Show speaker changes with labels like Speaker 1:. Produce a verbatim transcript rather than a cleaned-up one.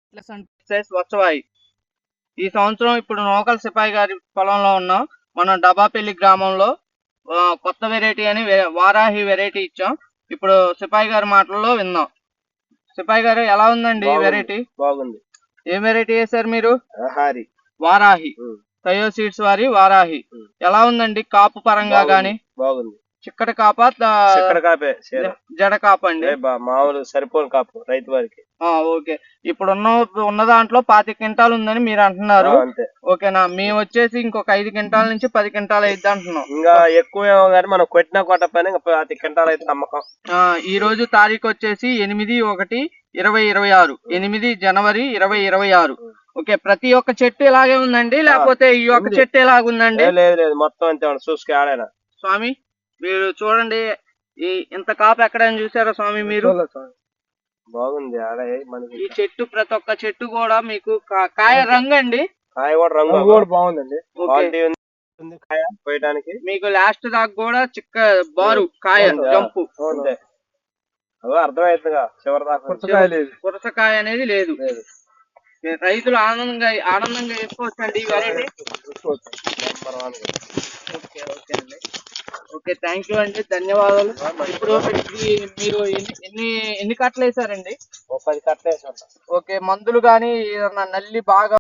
Speaker 1: వచ్చవాయి. ఈ సంవత్సరం ఇప్పుడు నూకల సిపాయి గారి పొలంలో ఉన్నాం. మనం డబాపల్లి గ్రామంలో ఆ, కొత్త వెరైటీ అని వే- వారాహి వెరైటీ ఇచ్చాం. ఇప్పుడు సిపాయి గారి మాటల్లో విందాం. సిపాయి గారు ఎలా ఉందండి ఈ
Speaker 2: బాగుంది.
Speaker 1: వెరైటీ?
Speaker 2: బాగుంది.
Speaker 1: ఏం వెరైటీ వేశారు మీరు?
Speaker 2: హారి
Speaker 1: వారాహి.
Speaker 2: ఉమ్,
Speaker 1: తయో సీడ్స్ వారి వారాహి.
Speaker 2: ఉమ్.
Speaker 1: ఎలా ఉందండి కాపు పరంగా
Speaker 2: బాగుంది.
Speaker 1: గాని?
Speaker 2: బాగుంది.
Speaker 1: చిక్కటి కాపా ద-
Speaker 2: చక్కెర కాపే చీర.
Speaker 1: జడ కాప అండి?
Speaker 2: ఏ బా మామూలు సరిపోను కాపు రైతు వారికి.
Speaker 1: ఆ, ఓకే. ఇప్పుడు ఉన్న ఉన్న దాంట్లో పాతి క్వింటాలు ఉందని మీరు అంటున్నారు.
Speaker 2: ఆ, అంతే.
Speaker 1: ఓకేనా? మేము వచ్చేసి ఇంకొక ఐదు క్వింటాల నుంచి పది క్వింటాలు అయిద్ది అంటున్నాం.
Speaker 2: ఇంకా ఎక్కువేమో కానీ మనం కొట్టినా కొట్టకపోయినా ఇంకా పది క్వింటాలు అయితే నమ్మకం.
Speaker 1: ఆ, ఈ రోజు తారీఖు వచ్చేసి ఎనిమిది ఒకటి ఇరవై ఇరవై ఆరు ఎనిమిది జనవరి ఇరవై ఇరవై ఆరు. ఓకే, ప్రతి ఒక్క చెట్టు ఇలాగే ఉందండి లేకపోతే ఈ ఒక్క
Speaker 2: ఉంది.
Speaker 1: చెట్టు ఎలాగుందండి?
Speaker 2: ఏ, లేదు లేదు మొత్తం అంతే ఉంది. చూసుకు ఆడైనా
Speaker 1: స్వామి మీరు చూడండి, ఈ ఇంత కాపు ఎక్కడైనా చూసారా స్వామి మీరు?
Speaker 2: బాగుంది. ఆడ మనకి
Speaker 1: ఈ చెట్టు ప్రతి ఒక్క చెట్టు కూడా మీకు కా- కాయ రంగు అండి.
Speaker 2: కాయ కూడా రంగు కూడా బాగుందండి.
Speaker 1: ఓకే.
Speaker 2: క్వాలిటీ ఉంది కాయ పోయడానికి.
Speaker 1: మీకు లాస్ట్ దాకా కూడా చిక్క బారు కాయ
Speaker 2: ఉందా?
Speaker 1: జంపు
Speaker 2: అంతే. అదో అర్థమవుతుందిగా చివరి దాకా
Speaker 1: పురసకాయ అనేది లేదు.
Speaker 2: లేదు.
Speaker 1: రైతులు ఆనందంగా ఆనందంగా వేసుకోవచ్చండి ఈ variety.
Speaker 2: Number one.
Speaker 1: Okay okay అండి. ఓకే, థ్యాంక్ యూ అండి, ధన్యవాదాలు. ఇప్పుడు ఇది మీరు ఎన్ని ఎన్ని ఎన్ని కట్టలు వేసారండి?
Speaker 2: ఓ పది కట్టలు వేసి ఉంటాం.
Speaker 1: ఓకే, మందులు కానీ ఏదన్నా నల్లి బాగా